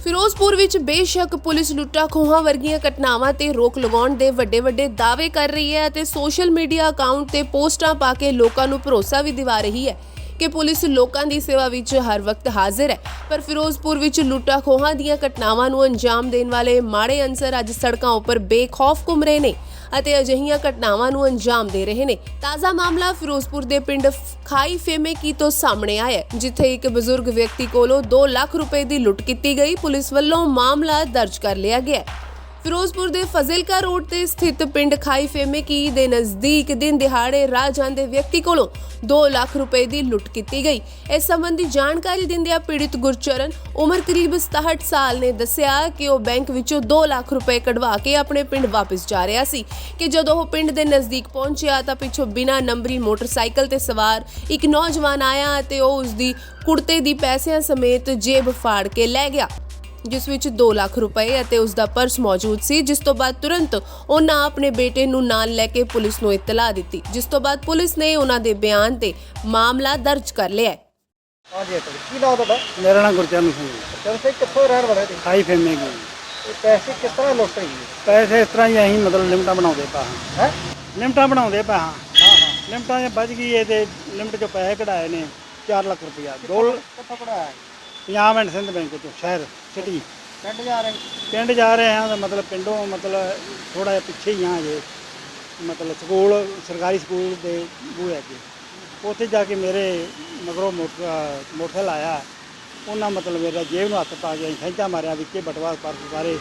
ਫਿਰੋਜ਼ਪੁਰ ਵਿੱਚ ਬੇਸ਼ੱਕ ਪੁਲਿਸ ਲੁੱਟਾਂ ਖੋਹਾਂ ਵਰਗੀਆਂ ਘਟਨਾਵਾਂ ਤੇ ਰੋਕ ਲਗਾਉਣ ਦੇ ਵੱਡੇ ਦਾਅਵੇ ਕਰ ਰਹੀ ਹੈ ਅਤੇ ਸੋਸ਼ਲ ਮੀਡੀਆ ਅਕਾਊਂਟ ਤੇ ਪੋਸਟਾਂ ਪਾ ਕੇ ਲੋਕਾਂ ਨੂੰ ਭਰੋਸਾ ਵੀ ਦਿਵਾ ਰਹੀ ਹੈ ਕਿ ਪੁਲਿਸ ਲੋਕਾਂ ਦੀ ਸੇਵਾ ਵਿੱਚ ਹਰ ਵਕਤ ਹਾਜ਼ਰ ਹੈ, ਪਰ ਫਿਰੋਜ਼ਪੁਰ ਵਿੱਚ ਲੁੱਟਾਂ ਖੋਹਾਂ ਦੀਆਂ ਘਟਨਾਵਾਂ ਨੂੰ ਅੰਜਾਮ ਦੇਣ ਵਾਲੇ ਮਾੜੇ ਅਨਸਰ ਅੱਜ ਸੜਕਾਂ ਉੱਪਰ ਬੇਖੌਫ ਘੁੰਮ ਰਹੇ ਨੇ ਅਤੇ ਅਜਿਹੀਆਂ ਘਟਨਾਵਾਂ ਨੂੰ ਅੰਜਾਮ ਦੇ ਰਹੇ ਨੇ। ਤਾਜ਼ਾ ਮਾਮਲਾ ਫਿਰੋਜ਼ਪੁਰ ਦੇ ਪਿੰਡ ਖਾਈ ਫੇਮੇਕੀ ਤੋਂ ਸਾਹਮਣੇ ਆਇਆ ਹੈ, ਜਿੱਥੇ ਇੱਕ ਬਜ਼ੁਰਗ ਵਿਅਕਤੀ ਕੋਲੋਂ 2 ਲੱਖ ਰੁਪਏ ਦੀ ਲੁੱਟ ਕੀਤੀ ਗਈ। ਪੁਲਿਸ ਵੱਲੋਂ ਮਾਮਲਾ ਦਰਜ ਕਰ ਲਿਆ ਗਿਆ ਹੈ। ਫਿਰੋਜ਼ਪੁਰ ਦੇ ਫਜ਼ਿਲਕਾ ਰੋਡ ਤੇ ਸਥਿਤ ਪਿੰਡ ਖਾਈ ਫੇਮੇਕੀ ਦੇ ਨਜ਼ਦੀਕ ਦਿਨ ਦਿਹਾੜੇ ਰਾਹ ਜਾਂਦੇ ਵਿਅਕਤੀ ਕੋਲੋਂ 2 ਲੱਖ ਰੁਪਏ ਦੀ ਲੁੱਟ ਕੀਤੀ ਗਈ। ਇਸ ਸੰਬੰਧੀ ਜਾਣਕਾਰੀ ਦਿੰਦਿਆਂ ਪੀੜਿਤ ਗੁਰਚਰਨ ਉਮਰ ਕਰੀਬ 67 ਸਾਲ ਨੇ ਦੱਸਿਆ ਕਿ ਉਹ ਬੈਂਕ ਵਿੱਚੋਂ 2 ਲੱਖ ਰੁਪਏ ਕਢਵਾ ਕੇ ਆਪਣੇ ਪਿੰਡ ਵਾਪਸ ਜਾ ਰਿਹਾ ਸੀ ਕਿ ਜਦੋਂ ਉਹ ਪਿੰਡ ਦੇ ਨਜ਼ਦੀਕ ਪਹੁੰਚਿਆ ਤਾਂ ਪਿੱਛੋਂ ਬਿਨਾਂ ਨੰਬਰੀ ਮੋਟਰਸਾਈਕਲ ਤੇ ਸਵਾਰ ਇੱਕ ਨੌਜਵਾਨ ਆਇਆ ਅਤੇ ਉਹ ਉਸ ਦੀ ਕੁੜਤੇ ਦੀ ਪੈਸਿਆਂ ਸਮੇਤ ਜੇਬ ਫਾੜ ਕੇ ਲੈ ਗਿਆ, ਜਿਸ ਵਿੱਚ 2 ਲੱਖ ਰੁਪਏ ਅਤੇ ਉਸ ਦਾ ਪਰਸ ਮੌਜੂਦ ਸੀ। ਜਿਸ ਤੋਂ ਬਾਅਦ ਤੁਰੰਤ ਉਹਨਾਂ ਆਪਣੇ ਬੇਟੇ ਨੂੰ ਨਾਲ ਲੈ ਕੇ ਪੁਲਿਸ ਨੂੰ ਇਤਲਾਹ ਦਿੱਤੀ, ਜਿਸ ਤੋਂ ਬਾਅਦ ਪੁਲਿਸ ਨੇ ਉਹਨਾਂ ਦੇ ਬਿਆਨ ਤੇ ਮਾਮਲਾ ਦਰਜ ਕਰ ਲਿਆ ਹੈ। ਹਾਂਜੀ ਅੰਕਲ, ਕੀ ਨਾਮ ਤੁਹਾਡਾ? ਮੇਰਾ ਨਾਮ ਗੁਰਚਰਨ ਸਿੰਘ ਹੈ। ਚਲ ਸੇ ਕਿੱਥੋਂ ਰਹਿਣ ਵਾਲੇ ਤੁਸੀਂ? ਖਾਈ ਫੇਮੇਗੀ। ਇਹ ਪੈਸੇ ਕਿਸ ਤਰ੍ਹਾਂ ਲੁੱਟ ਗਏ? ਪੈਸੇ ਇਸ ਤਰ੍ਹਾਂ ਹੀ ਅਸੀਂ ਮਤਲਬ ਲਿਮਟਾਂ ਬਣਾਉਂਦੇ ਪਾ ਹਾਂ। ਹੈ ਲਿਮਟਾਂ ਬਣਾਉਂਦੇ ਪਾ ਹਾਂ। ਹਾਂ ਲਿਮਟਾਂ ਜੇ ਵੱਜ ਗਈ ਇਹ ਤੇ ਲਿਮਟ ਚੋਂ ਪੈਸੇ ਕਢਾਏ ਨੇ 4 ਲੱਖ ਰੁਪਇਆ। ਕਿੱਥੋਂ ਪੜਾਇਆ? ਪੰਜਾਬ ਐਂਡ ਸਿੰਧ ਬੈਂਕ ਚੋਂ ਸ਼ਹਿਰ ਸਿਟੀ ਪਿੰਡ ਜਾ ਰਹੇ? ਪਿੰਡ ਜਾ ਰਹੇ ਹਾਂ ਤਾਂ ਮਤਲਬ ਪਿੰਡੋਂ ਮਤਲਬ ਥੋੜਾ ਜਿਹਾ ਪਿੱਛੇ ਹੀ ਹਾਂ ਜੇ ਮਤਲਬ ਸਕੂਲ ਸਰਕਾਰੀ ਸਕੂਲ ਦੇ ਬੂਹੇ ਅੱਗੇ ਉੱਥੇ ਜਾ ਕੇ ਮੇਰੇ ਮਗਰੋਂ ਮੋਟਰਸਾਈਕਲ ਆਇਆ। ਉਹਨਾਂ ਮਤਲਬ ਮੇਰਾ ਜੇਬ ਨੂੰ ਹੱਥ ਪਾ ਕੇ ਅਸੀਂ ਖੈਂਚਾ ਮਾਰਿਆ, ਵਿੱਚੇ ਬਟਵਾ ਪਰਸ ਸਾਰੇ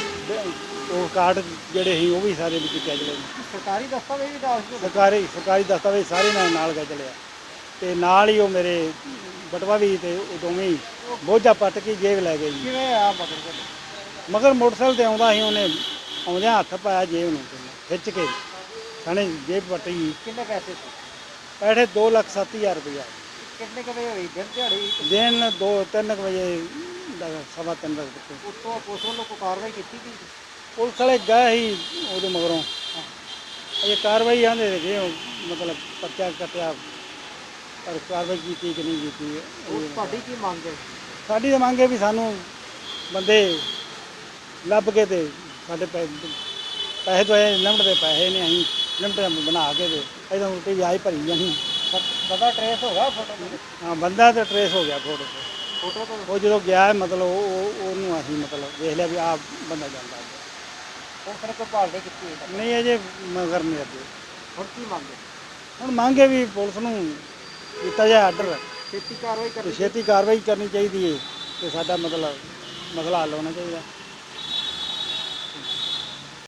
ਉਹ ਕਾਰਡ ਜਿਹੜੇ ਸੀ ਉਹ ਵੀ ਸਾਰੇ ਵਿੱਚ ਚੱਲ ਲਏ। ਸਰਕਾਰੀ ਦਸਤਾਵੇਜ਼ ਵੀ ਦੱਸ ਦਿਓ। ਸਰਕਾਰੀ ਦਸਤਾਵੇਜ਼ ਸਾਰੇ ਨਾਲ ਗਏ ਚਲਿਆ ਤੇ ਨਾਲ ਹੀ ਉਹ ਮੇਰੇ ਬਟਵਾ ਵੀ ਤੇ ਉਹ ਦੋਵੇਂ ਹੀ ਬੋਝਾ ਪੱਟ ਕੇ ਜੇਬ ਲੈ ਗਏ ਜੀ। ਕਿਵੇਂ ਆ ਮਗਰ? ਮਗਰ ਮੋਟਰਸਾਈਕਲ ਤੇ ਆਉਂਦਾ ਸੀ, ਉਹਨੇ ਆਉਂਦਿਆਂ ਹੱਥ ਪਾਇਆ ਜੇਬ ਨੂੰ ਖਿੱਚ ਕੇ ਸਾਨੇ ਜੇਬ ਪੱਟੀ। ਕਿੰਨੇ ਪੈਸੇ ਸੀ? ਪੈਸੇ 2,07,000 ਰੁਪਇਆ। ਕਿੰਨੇ ਕੁ ਵਜੇ ਹੋਈ? ਦਿਨ ਦਿਹਾੜੀ? ਦਿਨ 2-3 ਵਜੇ 3:15 ਵਜੇ। ਉੱਥੋਂ ਪੁਲਿਸ ਵੱਲੋਂ ਕੋਈ ਕਾਰਵਾਈ ਕੀਤੀ ਗਈ? ਪੁਲਿਸ ਵਾਲੇ ਗਏ ਸੀ ਉਹਦੇ ਮਗਰੋਂ ਇਹ ਕਾਰਵਾਈ ਆਂਦੇ ਰਹੇ ਮਤਲਬ ਪਰਚਾ ਕੱਟਿਆ, ਪਰ ਕਾਰਵਾਈ ਕੀਤੀ ਕਿ ਨਹੀਂ ਕੀਤੀ। ਉਹ ਤੁਹਾਡੀ ਕੀ ਮੰਗ ਹੈ? ਸਾਡੀ ਤਾਂ ਮੰਗ ਹੈ ਵੀ ਸਾਨੂੰ ਬੰਦੇ ਲੱਭ ਕੇ ਤੇ ਸਾਡੇ ਪੈਸੇ ਤੋਂ ਲਿਮਟ ਦੇ ਪੈਸੇ ਨੇ ਅਸੀਂ ਲਿਮਟ ਬਣਾ ਕੇ ਤੇ ਇਹਦਾ ਉਲਟੀ ਵਿਆਜ ਭਰੀ ਜਾਣੀ। ਬੰਦਾ ਟਰੇਸ ਹੋ ਗਿਆ ਫੋਟੋ ਤੇ? ਹਾਂ, ਬੰਦਾ ਤਾਂ ਟਰੇਸ ਹੋ ਗਿਆ ਫੋਟੋ ਤੇ। ਫੋਟੋ ਤੋਂ ਉਹ ਜਦੋਂ ਗਿਆ ਮਤਲਬ ਉਹਨੂੰ ਅਸੀਂ ਮਤਲਬ ਦੇਖ ਲਿਆ ਵੀ ਆਹ ਬੰਦਾ ਜਾਂਦਾ। ਉਹ ਫਿਰ ਕੋਈ ਭਾਲ ਨਹੀਂ ਕੀਤੀ ਹੈ? ਨਹੀਂ ਅਜੇ ਮਗਰ ਨਹੀਂ ਅੱਗੇ। ਹੁਣ ਕੀ ਮੰਗ ਹੈ? ਹੁਣ ਮੰਗੇ ਵੀ ਪੁਲਿਸ ਨੂੰ ਦਿੱਤਾ ਜਾਏ ਆਰਡਰ, ਛੇਤੀ ਕਾਰਵਾਈ ਕਰਨੀ? ਛੇਤੀ ਕਾਰਵਾਈ ਕਰਨੀ ਚਾਹੀਦੀ ਹੈ ਤੇ ਸਾਡਾ ਮਤਲਬ ਮਸਲਾ ਹੱਲ ਹੋਣਾ ਚਾਹੀਦਾ।